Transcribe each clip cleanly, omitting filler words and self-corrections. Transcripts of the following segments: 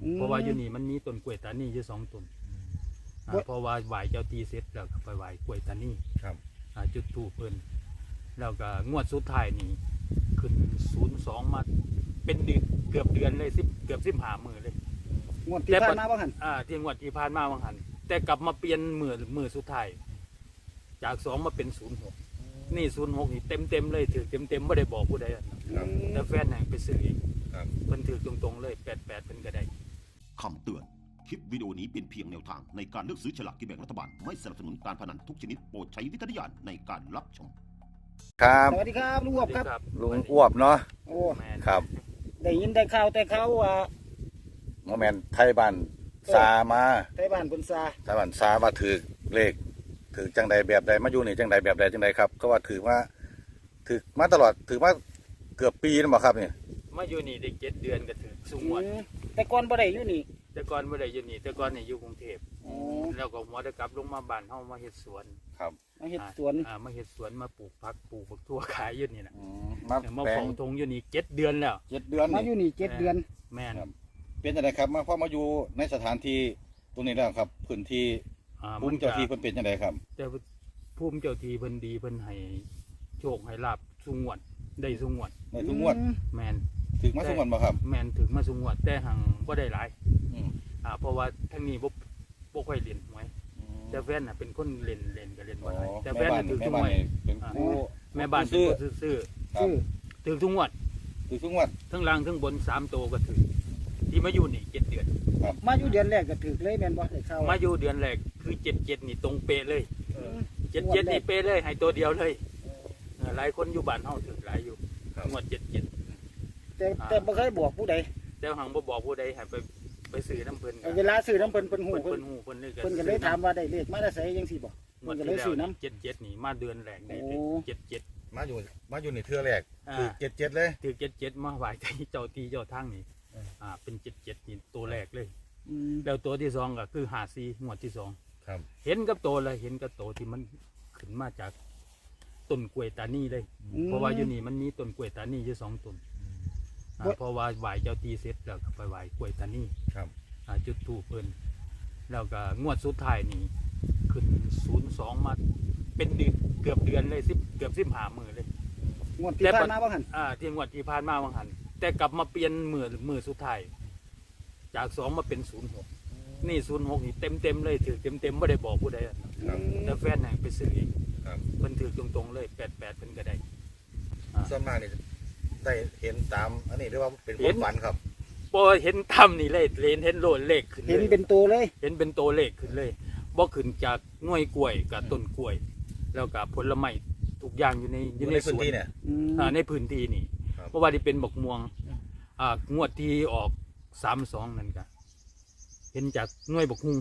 เพราะว่าอยู่นี่มันมีต้นกล้วยตานีอยู่2 ต้นเพราะว่าไหว้เจ้าที่เสร็จแล้วก็ไปไหว้กล้วยตานีครับจุดธูปเพิ่นแล้วก็งวดสุดท้ายนี่ขึ้น02มาเป็นเดือนเกือบเดือนเลยเกือบ15 มื้อเลยงวดที่ผ่านมาบ่หันที่งวดที่ผ่านมาบ่หันแต่กลับมาเปลี่ยนมื้อสุดท้ายจาก2มาเป็น06นี่06นี่เต็มเลยถือเต็มไม่ได้บอกผู้ใดแต่แฟนแห่งไปซื้อเองเพิ่นถือตรงๆเลย88เพิ่นก็ได้คำเตือนคลิปวิดีโอนี้เป็นเพียงแนวทางในการเลือกซื้อฉลากกินแบ่งรัฐบาลไม่สนับสนุนการพนันทุกชนิดโปรดใช้วิจารณญาณในการรับชมครับสวัสดีครับลุงอ้วบครับลุงอ้วบเนาะโอ้ครับได้ยินได้ข่าวแต่เขาว่าโมเมนไทยบ้านซามาไทยบ้านเพิ่นซาไทยบ้านซาว่าถือเลขถือจังใดแบบใดมาอยู่นี่จังใดแบบใดจังใดครับก็ว่าถือมาตลอดถือมาเกือบปีแล้วบ่ครับนี่มาอยู่นี่ได้7 เดือนก็ถือสูงหมดแต่ก่อนบ่ได้อยู่นี่แต่ก่อนบ่ได้อยู่นี่แต่ก่อนนี่อยู่กรุงเทพแล้วก็หัวได้กลับลงมาบ้านเฮามาเฮ็ดสวนครับมาเฮ็ดสวนมาเฮ็ดสวนมาปลูกผักปลูกบักทั่วขายอยู่นี่น่ะมาเฝ้าทงอยู่นี่7 เดือนแล้ว 7 เดือนมาอยู่นี่7 เดือนแม่นเป็นจังไดครับมาพอมาอยู่ในสถานที่ตรงนี้แล้วครับพื้นที่ภูมิเจ้าที่เพิ่นเป็นจังไดครับแต่ภูมิเจ้าที่เพิ่นดีเพิ่นให้โชคให้ลาภสุงวดได้สุงวดแม่นถึงมาสุงวดบ่ครับแม่นถึงมาสุงวดแต่หังบ่ได้หลายเพราะว่าทั้งนี้บ่ค่อยเล่นหวยแต่แฟนน่ะเป็นคนเล่นก็เล่นบ่ได้แต่แฟนน่ะถือทุกงวดแม่บ้านเป็นคนซื่อถือทุกงวดทั้งล่างทั้งบน3 โตก็ถือที่มาอยู่นี่7 เดือนมาอยู่เดือนแรกก็ถือเลยแม่นบ่ได้เข้ามาอยู่เดือนแรกคือ77นี่ตรงเป๊ะเลย77นี่เป๊ะเลยให้ตัวเดียวเลยหลายคนอยู่บ้านเฮาถือหลายอยู่งวด77 แต่บ่เคยบอกผู้ใดแต่หังบ่บอกผู้ใดให้ไปซื้อน้ำเพิ่นเวลาซื้อน้ำเพิ่นฮู้เพิ่นก็เลยถามว่าได้เลขมาได้ไสจังซี่บ่เพิ่นก็เลยซื้อน้ำ77นี่มาเดือนแรกได้77 มาอยู่ในเทื่อแรกคือ77เลยถือ77มาไหว้เจ้าที่เจ้าทางนี่เป็น77นี่ตัวแรกเลยแล้วตัวที่2ก็คือ54งวดที่2 ครับเห็นกับโตเลยเห็นกับโตที่มันขึ้นมาจากต้นกล้วยตานีเลยเพราะว่าอยู่นี่มันมีต้นกล้วยตานีอยู่2 ต้นเพราะว่าไหว้เจ้าที่เสร็จแล้วก็ไปไหว้กล้วยตานีจุดธูปเพิ่นแล้วก็งวดสุดท้ายนี่ขึ้น02มาเป็นเดือนเกือบเดือนเลยเกือบ15 มื้อเลยงวดที่ผ่านมาบ่หันที่งวดที่ผ่านมาบ่หันแต่กลับมาเปลี่ยนมื้อสุดท้ายจาก2มาเป็น06นี่06นี่เต็มเลยถือเต็มไม่ได้บอกผู้ใดแต่แฟนแห่งไปซื้อเองเพิ่นถือตรงๆเลย88เพิ่นก็ได้ส่วนมากนี่ได้เห็นตามอันนี้เรียกว่าเป็นความฝันครับพอเห็นทำนี่เลยเห็นโลดเลขขึ้นเลยเห็นเป็นตัวเลยเห็นเป็นตัวเลขขึ้นเลยบ่ขึ้นจากหน่วยกล้วยกับต้นกล้วยแล้วก็ผลไม้ทุกอย่างอยู่ในสวนเนี่ยในพื้นที่นี่เพราะว่าที่เป็นบักม่วงงวดที่ออก32นั่นก็เห็นจากหน่วยบักฮุง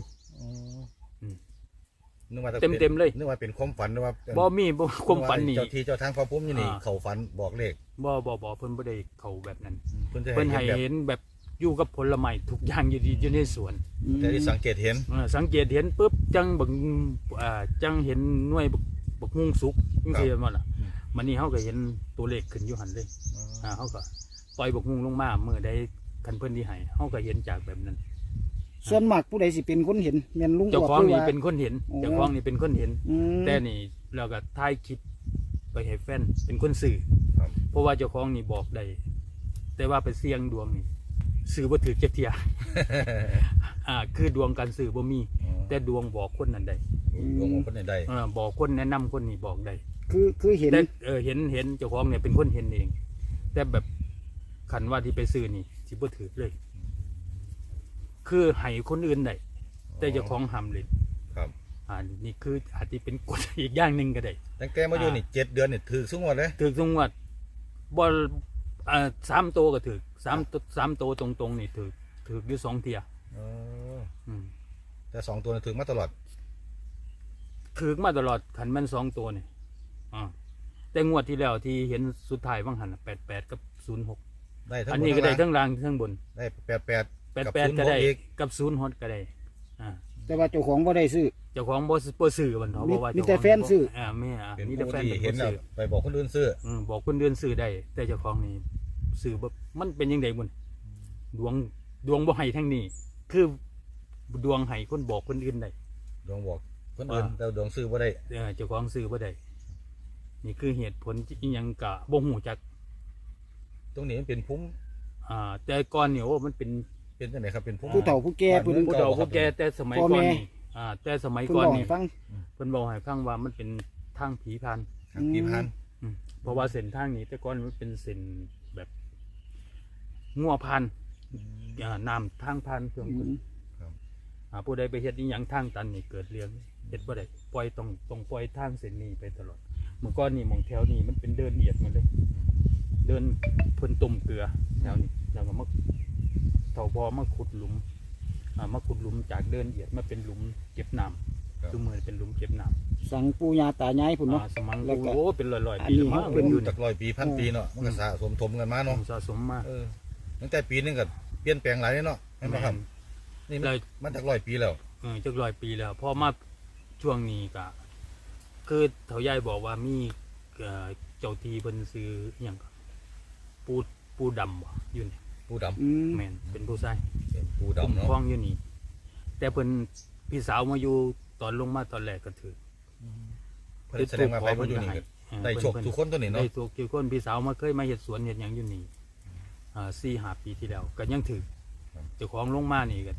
เต็มเลยนึกว่าเป็นความฝันนึกว่าบ่มีความฝันนี่เจ้าที่เจ้าทางพอพุ่มอยู่นี่เขาฝันบอกเลขบ่เพิ่นบ่ได้เขาแบบนั้นเพิ่นให้เห็นแบบอยู่กับผลไม้ทุกอย่างอยู่ในสวนแต่ที่สังเกตเห็นปุ๊บจังบักจังเห็นหน่วยบักฮุงสุกจังซี่ว่าล่ะมันนี่เฮาก็เห็นตัวเลขขึ้นอยู่หั่นเลยเฮาก็ปล่อยบักฮุงลงมาเมื่อใดคันเพิ่นที่ให้เฮาก็เห็นจากแบบนั้นส่วนมากผู้ใดสิเป็นคนเห็นแม่นลุงเจ้าของนี่เป็นคนเห็นแต่นี่เราก็ถ่ายคลิปไปให้แฟนเป็นคนสื่อเพราะว่าเจ้าของนี่บอกได้แต่ว่าไปเสี่ยงดวงนี่สื่อบ่ถือเก็บเทียคือดวงการสื่อบ่มีแต่ดวงบอกคนนั้นได้ดวงบอกคนนั้นได้บอกคนแนะนำคนนี่บอกได้คือเห็นแต่เห็นเจ้าของเนี่ยเป็นคนเห็นเองแต่แบบขันว่าที่ไปซื้อนี่สิบ่ถือเลยคือให้คนอื่นได้แต่เจ้าของห้ามเลยครับนี่คืออาจจะเป็นกฎอีกอย่างหนึ่งก็ได้ตั้งแต่มาอยู่นี่7 เดือนนี่ถือสุงวดเลยถือสุงวดบอล3 ตัวก็ถือ3 ตัวตรงๆนี่ถืออยู่2 เที่ยแต่2 ตัวนี่ถือมาตลอดขันมัน2 ตัวนี่แต่งวดที่แล้วที่เห็นสุดท้ายว่างหัน88กับ06ได้อันนี้ก็ได้ทั้งล่างทั้งบนได้ 88ก็ได้กับ06ก็ได้แต่ว่าเจ้าของบ่ได้ซื้อเจ้าของบ่ซื้อมันเพราะว่ามีแต่แฟนซื้อมีแต่แฟนเห็นแล้วไปบอกคนอื่นซื้อบอกคนอื่นซื้อได้แต่เจ้าของนี่ซื้อมันเป็นยังไงบุญดดวงบ่ให้ทั้งนี้ คือดวงให้คนบอกคนอื่นได้ดวงบอกคนอื่นแต่ดวงซื้อบ่ได้เจ้าของซื้อบ่ได้นี่คือเหตุผลอีหยังกะบ่ฮู้จักตรงนี้มันเป็นพุ่มแต่ก่อนเนี่ยโอ้มันเป็นเป็นจังไดครับเป็นพุ่มผู้เฒ่าผู้แก่เพิ่นผู้เฒ่าผู้แก่แต่สมัยพ่อก่อนแม่นี่แต่สมัยเพิ่นก่อนบอกนี่ให้ฟังเพิ่นบอกให้ฟังว่ามันเป็นทางผีพรานครับพี่พันเพราะว่าเส้นทางนี้แต่ก่อนมันเป็นเส้นแบบงัวพันน้ำทางพันเพื่อนคนผู้ใดไปเฮ็ดอีหยังทางตันนี่เกิดเรื่องเฮ็ดบ่ได้ปล่อยต้องปล่อยทางเส้นนี้ไปตลอดเมื่อก่อนนี่หมองแถวนี้มันเป็นเดินเอียดมาเลย เดินเพิ่นต้มเกลือแถวนี้แล้วก็มาเฒ่าพอมาขุดหลุมมาขุดหลุมจากเดินเอียดมาเป็นหลุมเก็บน้ำคือเหมือนเป็นหลุมเก็บน้ำสั่งปู่ย่าตายายพุ่นเนาะสมังแล้วก็โอ้เป็นร้อยอัๆนปีนี้แล้วมั้งเป็นอยู่จาก100 ปีพันปีเนาะมันก็สะสมถมกันมาเนาะสะสมมาตั้งแต่ปีนึงก็เปลี่ยนแปลงหลายเนาะเห็นบ่ครับนี่มันจาก100 ปีแล้วจัก100 ปีแล้วพอมาช่วงนี้ก็คือเฒ่ายายบอกว่ามีเจ้าทีเพิ่นซื้ออหยังก็ปูดำบ่อยู่นี่ปูดำอืมแม่นเป็นผู้ชายเป็นปูคุ้มดำเนาะครองอยู่นี่แต่เพิ่นพี่สาวมาอยู่ตอนลงมาตอนแรกก็ถือเพิ่นแสดงว่าไปบ่อยู่นี่ก็ได้โชคทุกคนตัวนี้เนาะได้ถูกทุกคนพี่สาวมาเคยมาเฮ็ดสวนเฮ็ดหยังอยู่นี่4-5 ปีที่แล้วก็ยังถือเจ้าของลงมานี่ก็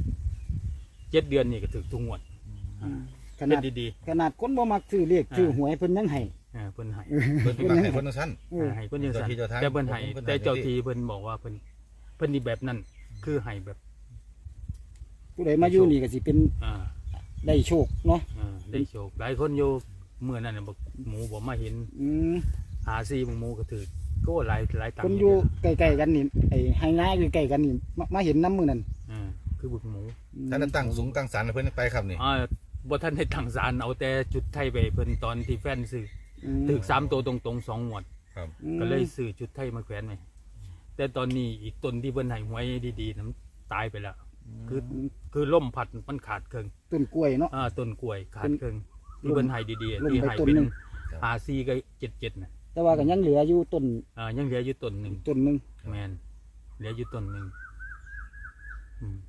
7 เดือนนี่ก็ถือทุกงวดขเป็นาดนดีขนาดคนบ่มักซื้อเลขซื้อหวยเพิ่นยังให้ๆเพิ่นให้เพิ่นสิมาให้เพิ่นจังซั่นให้เพิ่นยังสั่นเจ้าที่เจ้าทางแต่เพิ่นให้เพิ่นให้แต่เจ้าทีเพิ่นบอกว่าเพิ่นนี่แบบนั้นคือให้แบบผู้ใดมาอยู่นี่ก็สิเป็นอ่าได้โชคเนาะได้โชคหลายคนอยู่เมื่อนั้นน่ะบอกหมูบ่มาเห็นอืมหาซีหมูก็ถือก็หลายตังคนค์อยู่ใกล้ๆกันนี่ไอ้ไฮนาอยู่ใกล้กันนี่มาเห็นน้ำมือนั่นคือบึกหมูท่านตั้งสูงตั้งศาลให้เพิ่นไปครับนี่บ่ทันได้ตั้งศาลเอาแต่จุดไทยไปเพิ่นตอนที่แฟนซื้อมถึก3ตัวตรงๆ2งวดครับก็เลยซื้อจุดไทยมาแขวนไว้แต่ตอนนี้อีกต้นที่เพิ่นให้หวยดีๆนั้นตายไปแล้ว คือล่มพัดมันขาดครึ่งต้นกล้วยเนาะต้นกล้วยขาดครึ่งเป็นที่เพิ่นให้ดีลงๆที่ไปให้ต้นเป็นหนึ่ง 54กับ77น่ะแต่ว่าก็ยังเหลืออยู่ต้นยังเหลืออยู่ต้นหนึงต้นหนึงแม่นเหลืออยู่ต้นหนึงอืม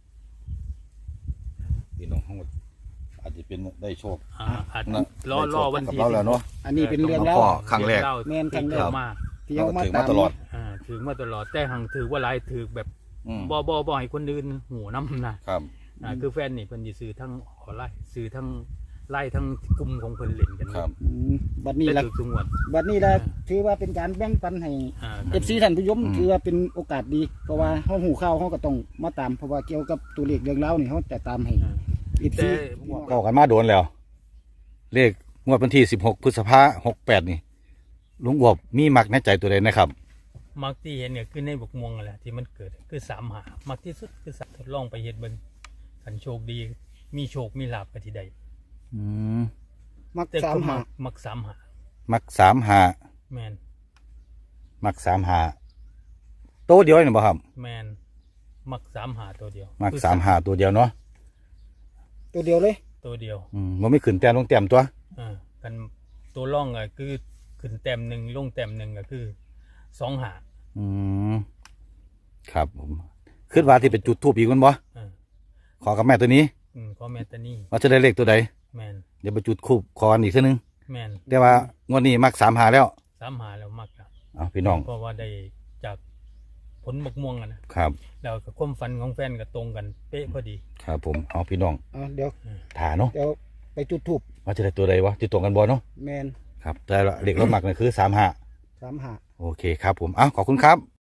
พี่น้องทั้งหมดอาจจะเป็นได้โชคอาจนะรอวันกับที่เราแล้วเนาะอันนี้เป็นเรื่องแล้เล่าวก็ ครั้งแรกแม่นครั้งแรกมาที่เอามาถือตามมาตลอดถือมาตลอดแต่หังถือว่าหลายถือแบบอืมบ่ให้คนอื่นหูน้ำนะครับ คือแฟนนี่เพิ่นสิซื้อทั้งออนไลน์ซื้อทั้งไล่ทั้งกลุ่มของเพิ่นเล่นกันครับอืมบัดนี้ได้ละถือทุกงวดบัดนี้ละถือว่าเป็นการแบ่งปันให้ FC ท่านผู้ชมถือว่าเป็นโอกาสดี เพราะว่าเฮาหูข่าวเฮาก็ต้องมาตามเพราะว่าเกี่ยวกับตัวเลขเรื่องราวนี่เฮาจะตามให้ FC เข้ากันมาโดนแล้ว เลขงวดวันที่16 พฤษภาคม 68 นี่ลุงบวบมีมักในใจตัวใดนะครับมักที่เห็นเนี่ยคือในบกม่วงนั่นแหละที่มันเกิดคือ3หามักที่สุดคือสัตว์ทดลองไปเฮ็ดเบิ่งคันโชคดีมีโชคมีลาภก็ที่ใดอืมมักแต่สามก็หามัก3หามัก35 แม่นมัก35โตเดียวนี่บ่ครับแม่นมัก3หาตัวเดียวมักคือ 35ตัวเดียวเนาะตัวเดียวเลยตัวเดียวบ่มีขึ้นแต้มลงแต้มตัวกันตัวร่องก็คือขึ้นแต้มหนึ่งลงแต้มหนึ่งก็คือ2หาอืมครับผมคิดว่าที่เป็นจุดทูปอีกมันบ่อ่าขอกับแม่ตัวนี้ก็แมนตานี่ว่าจะได้เลขตัวใดแมนเดี๋ยวไปจุดคูบขอกันอีกเทีนึงแมนแต่ว่างวดนี้มัก35แล้ว 3หาแล้วมักอะเอาพี่น้องเพราะว่าได้จากผลมะม่วงอะนะครับ แล้วกับความฝันของแฟนก็ตรงกันเป๊ะพอดีครับผมเอาพี่น้องเดี๋ยวถาเนาะเดี๋ยวไปจุดธูปว่าจะได้ตัวใดวะจะตรงกันบ่เนาะแมนครับแต่เลขเรามักนี่คือ35 3หาโอเคครับผมเอาขอบคุณครับ